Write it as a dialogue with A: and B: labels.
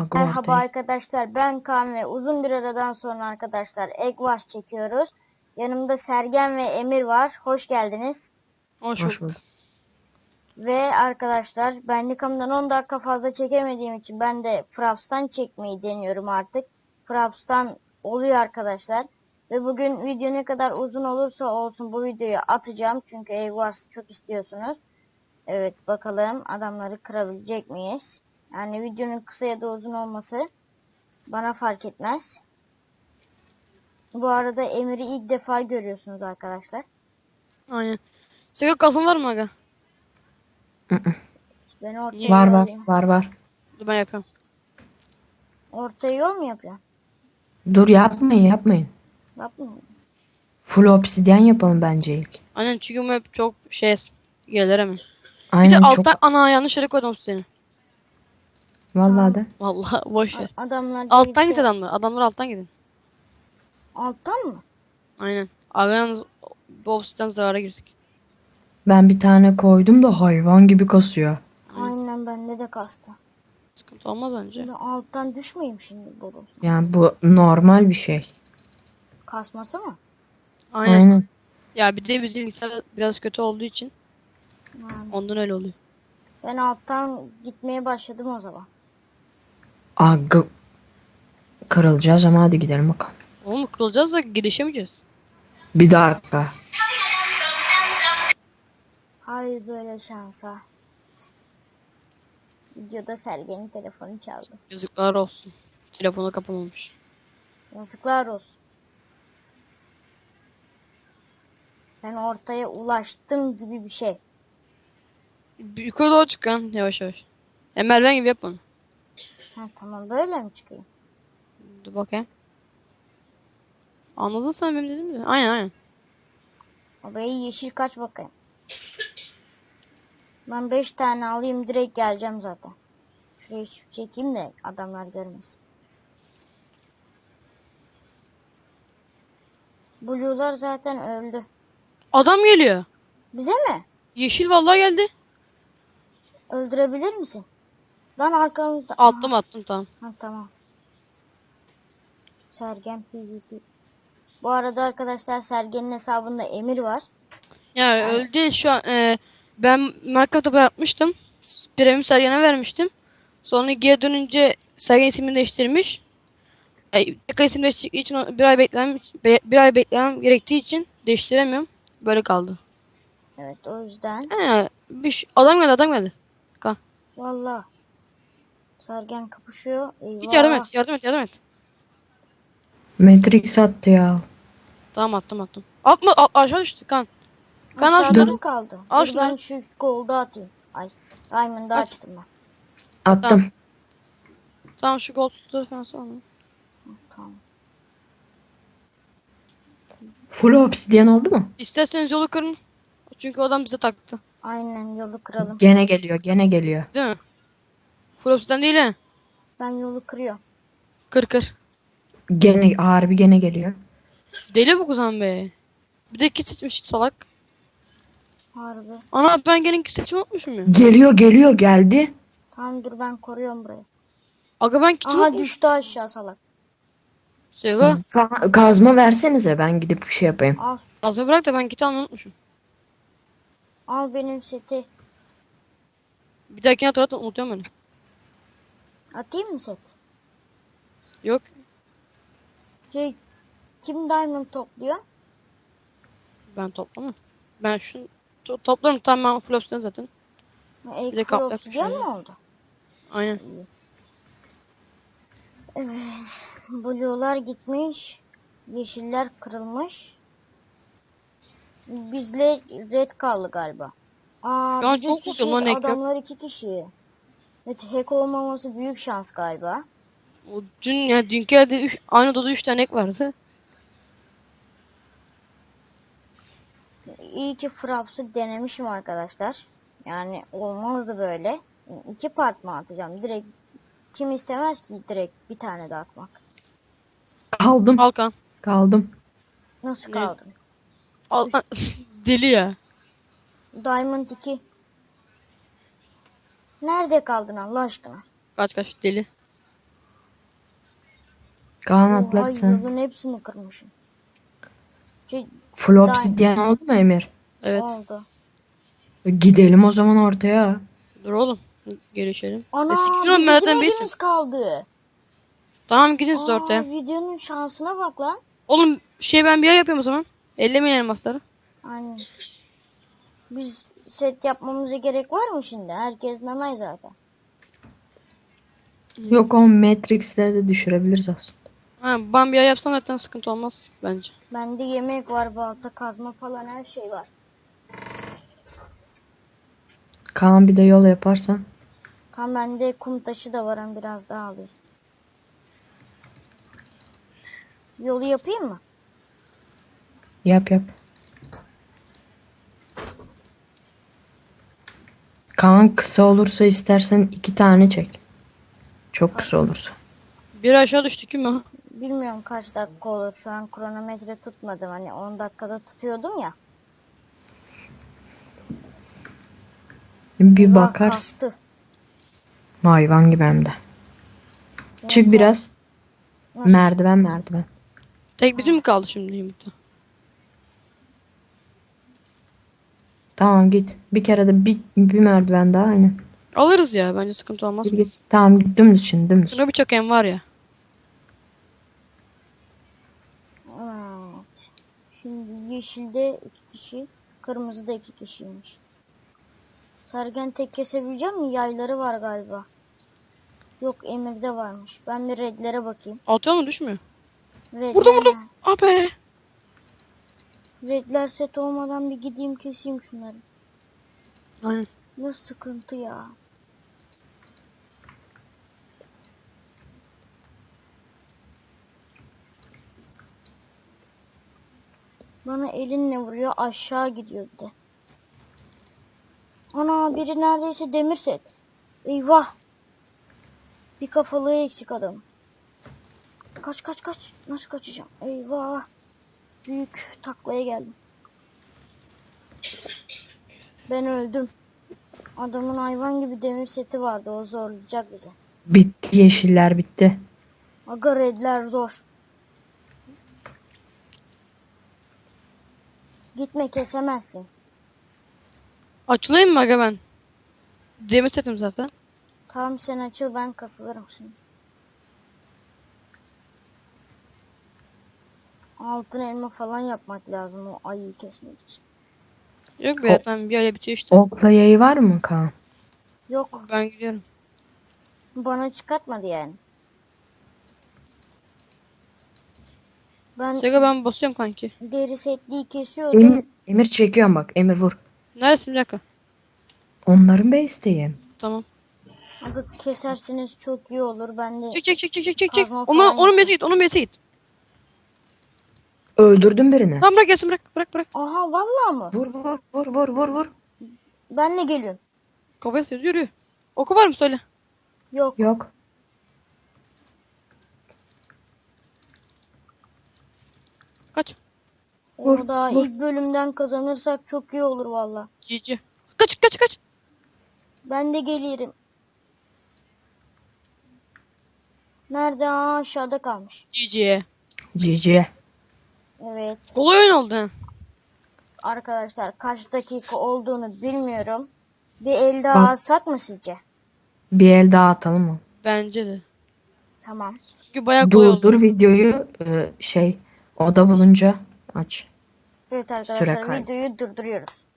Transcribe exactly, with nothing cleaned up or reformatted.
A: Aga
B: Merhaba
A: ortaya.
B: arkadaşlar, ben Kaan ve uzun bir aradan sonra arkadaşlar Egg Wars çekiyoruz. Yanımda Sergen ve Emir var. Hoş geldiniz.
C: Hoş
A: Hoş
C: bulduk.
A: bulduk.
B: Ve arkadaşlar ben Nikam'dan on dakika fazla çekemediğim için ben de Fraps'tan çekmeyi deniyorum artık. Fraps'tan oluyor arkadaşlar. Ve bugün video ne kadar uzun olursa olsun bu videoyu atacağım. Çünkü Egg Wars'ı çok istiyorsunuz. Evet, bakalım adamları kırabilecek miyiz? Yani videonun kısa ya da uzun olması bana fark etmez. Bu arada Emir'i ilk defa görüyorsunuz arkadaşlar.
C: Aynen. Senin kasın var mı aga?
B: Ben ortaya
C: Niye?
A: Var
B: yol
A: var
B: alayım.
A: var var.
C: Dur ben yapıyorum.
B: Ortaya yol mu yapıyorsun?
A: Dur yapmayın yapmayın.
B: Yapmıyor.
A: Full obsidyen yapalım bence ilk.
C: Aynen çünkü bu hep çok şey gelir mi? Bir de
A: Aynen çok.
C: alttan ana yanlış yere koydum seni.
A: Vallahi de.
C: Vallahi boş ver.
B: A- Adamlar
C: Alttan
B: değilse-
C: git adamlar. Adamlar alttan gidin.
B: Alttan mı?
C: Aynen. Aga yalnız Bobs'tan zarara girdik.
A: Ben bir tane koydum da hayvan gibi kasıyor.
B: Aynen, bende de kastı.
C: Sıkıntı olmaz bence.
B: Şimdi alttan düşmeyeyim şimdi bu.
A: Yani bu normal bir şey.
B: Kasması mı?
C: Aynen.
A: Aynen.
C: Ya bir de bizim bilgisayar biraz kötü olduğu için
B: Yani
C: ondan öyle oluyor.
B: ben alttan gitmeye başladım o zaman.
A: Aga kırılacağız ama hadi gidelim bakalım.
C: Oğlum kılacağız da girişemeyeceğiz.
A: Bir dakika.
B: Hayır böyle şansa. Videoda Sergen'in telefonu çaldı.
C: Yazıklar olsun. Telefonu kapamamış.
B: Yazıklar olsun. Ben ortaya ulaştım gibi bir şey.
C: Yukarı doğru çıkan yavaş yavaş. Ya merdiven gibi yap bunu.
B: Ha, tamam, böyle mi çıkayım?
C: Dur bakayım. Anladın sen benim dediğimi de. Aynen aynen.
B: Orayı yeşil kaç bakayım. Ben beş tane alayım, direkt geleceğim zaten. Şurayı çift çekeyim de adamlar görmesin. Blue'lar zaten öldü.
C: Adam geliyor.
B: Bize mi?
C: Yeşil vallahi geldi.
B: Öldürebilir misin? Lan arkamızda.
C: Attım attım tamam.
B: Ha, tamam. Sergen PvP. Bu arada arkadaşlar Sergen'in hesabında Emir var.
C: Ya öldü şu an. E, ben Minecraft'ta bırakmıştım. Premium Sergen'e vermiştim. Sonra geri dönünce Sergen ismini değiştirmiş. E, tekrar isim değiştirdiği için o- bir ay beklemem, be- bir ay beklemem gerektiği için değiştiremiyorum. Böyle kaldı.
B: Evet, o yüzden.
C: He, bir şey- adam geldi adam geldi. Ka.
B: Vallahi. Sergen kapışıyor. Eyvah.
C: Git yardım et yardım et yardım et.
A: Matrix attı ya.
C: Tamam attım attım. Atma a- aşağı düştü kan. Kan al
B: Aşağıda
C: şunları.
B: mı kaldı?
C: Al
B: Dur,
C: şunları.
B: ben şu gold'u atayım. Ay. Diamond'ı
C: Aç.
B: açtım ben.
A: Attım.
C: Tamam. Tamam şu gold tutu falan sonra.
B: Tamam.
A: Full obsidyen oldu mu?
C: İsterseniz yolu kırın. Çünkü o adam bize taktı.
B: Aynen, yolu kıralım.
A: Gene geliyor gene geliyor.
C: Değil mi? Full opsiden değil he.
B: Ben yolu kırıyorum.
C: Kır kır.
A: Gene harbi gene geliyor.
C: Deli bu kuzan be. Bir de kit seçmiş salak.
B: Harbi.
C: Ana ben gene kit seçimi unutmuşum ya.
A: Geliyor geliyor geldi.
B: Tamam, dur ben koruyorum burayı.
C: Aga ben kit
B: Aha,
C: unutmuşum.
B: düştü aşağı salak.
C: Sego.
A: Ka- Kazma versenize ben gidip bir şey yapayım.
B: Al.
C: Azı bırak da ben kit almayı unutmuşum.
B: Al benim seti.
C: Bir dahakine hatırlat unutuyorum beni.
B: Atayım mı set?
C: Yok.
B: Şey, kim diamond topluyor?
C: Ben toplamam. Ben şunu to- toplarım tamam ben full opsiden zaten.
B: Ek
C: Bir de kaplı
B: obsidian
C: yapmış
B: mı oldu?
C: Aynen.
B: Evet. Blue'lar gitmiş. Yeşiller kırılmış. Bizle red kaldı galiba. Aa,
C: Şu an
B: biz
C: çok
B: üç
C: mutluyum lan,
B: kişiyiz,
C: hack yok.
B: adamlar iki kişi. Evet, hack olmaması büyük şans galiba.
C: O dün ya dünkü yerde üç, aynı odada üç tane ek vardı.
B: İyi ki Fraps'ı denemişim arkadaşlar. Yani olmazdı böyle. İki part mı atacağım? Direkt kim istemez ki direkt bir tane de atmak.
A: Kaldım.
B: Kaldım.
C: Halkan.
A: Kaldım.
B: Nasıl
C: Ne?
B: kaldın?
C: Al deli ya.
B: Diamond iki. Nerede kaldın Allah aşkına?
C: Kaç kaç deli.
A: Kaan
B: Oha,
A: atlat sen.
B: yolun hepsini kırmışım. Şey,
A: Full
B: daha
A: obsidyen oldu mu Emir?
C: Evet.
B: oldu.
A: Gidelim o zaman ortaya.
C: Dur oğlum. Gelişelim.
B: Ana,
C: E, sikin
B: bir
C: oğlum, ben
B: bizim
C: zaten değilsin.
B: evimiz kaldı.
C: Tamam, gidin siz
B: Aa,
C: ortaya.
B: videonun şansına bak lan.
C: Oğlum şey, ben bir ay yapıyorum o zaman. Ellemeyin elmasları.
B: Aynen. Biz set yapmamıza gerek var mı şimdi? Herkes nanay zaten.
A: Yok, o Matrix'le de düşürebiliriz aslında.
C: Ha, ben bir ay yapsam zaten sıkıntı olmaz bence.
B: Bende yemek var, balta, kazma falan her şey var.
A: Kaan bir de yol yaparsan.
B: Tam bende kum taşı da var, hem biraz daha alayım. Yolu yapayım mı?
A: Yap yap. Kaan kısa olursa istersen iki tane çek. Çok kısa olursa.
C: Bir aşağı düştük mü?
B: Bilmiyorum kaç dakika olur. Şu an kronometre tutmadım. Hani on dakikada tutuyordum ya.
A: Bir
B: Eyvah,
A: bakarsın.
B: kalktı.
A: Hayvan gibi hem de. Çık biraz. Merdiven merdiven.
C: Tek bizim mi kaldı şimdi yumurta?
A: Tamam git. Bir kere de bir, bir merdiven daha aynen.
C: Alırız ya, bence sıkıntı olmaz.
A: Git, git. Tamam git dümdüz şimdi dümdüz.
C: Şuna bir çakayım var ya.
B: Evet. Şimdi yeşilde iki kişi, kırmızıda iki kişiymiş. Sergen tek kesebileceğim mi? Yayları var galiba. Yok, Emir'de varmış. Ben bir redlere bakayım.
C: Atıyor mu, düşmüyor?
B: Redler,
C: Vurdum vurdum. Ah be.
B: redler set olmadan bir gideyim keseyim şunları.
C: Aynen.
B: Ne sıkıntı ya. Bana elinle vuruyor, aşağı gidiyor bir de. Ana, biri neredeyse demir set. Eyvah. Bir kafalığı eksik adam. Kaç kaç kaç. Nasıl kaçacağım? Eyvah. Büyük taklaya geldim. Ben öldüm. Adamın hayvan gibi demir seti vardı. O zorlayacak bizi.
A: Bitti, yeşiller bitti.
B: Aga, redler zor. Gitme, kesemezsin.
C: Açılayım mı aga ben? Demir setim zaten.
B: Tamam, sen açıl, ben kasılırım şimdi. Altın elma falan yapmak lazım o ayıyı kesmek için.
C: Yok be,
A: O-
C: zaten bir ay bitiyor işte.
A: Okla yayı var mı Kaan?
B: Yok,
C: Ben gidiyorum.
B: bana çıkartmadı yani. Ben
C: Sega, ben basıyorum kanki.
B: deri setliği kesiyordum.
A: Emir, Emir çekiyorum bak. Emir vur.
C: Neredesin, bir dakika.
A: Onların base'teyim.
C: Tamam.
B: Aga, keserseniz çok iyi olur. Ben de
C: Çek çek çek çek çek çek çek.
B: Kazma
C: Onu,
B: falan
C: onun
B: yapayım.
C: besi git, onun besi git.
A: Öldürdüm birini.
C: Tamam, bırak gelsin, bırak bırak bırak.
B: Aha, vallahi mı?
A: Vur vur vur vur vur vur.
B: Ben de geliyorum.
C: Kafaya sıyır, yürü. Oku var mı, söyle.
B: Yok.
A: Yok.
C: Kaç.
A: Vur,
B: Onu da
A: vur.
B: ilk bölümden kazanırsak çok iyi olur valla.
C: Cici. Kaç kaç kaç.
B: Ben de gelirim. Nerede? Aa, aşağıda kalmış.
C: Cici.
A: G G.
B: Evet.
C: Kolay oyun oldu ha.
B: Arkadaşlar, kaç dakika olduğunu bilmiyorum. Bir el daha
A: Bak.
B: alsak mı sizce?
A: Bir el daha atalım mı?
C: Bence de.
B: Tamam.
C: Çünkü bayağı kolay oldu.
A: Durdur videoyu, e, şey oda bulunca aç.
B: Evet
A: Süre
B: arkadaşlar,
A: kaydı.
B: videoyu durduruyoruz.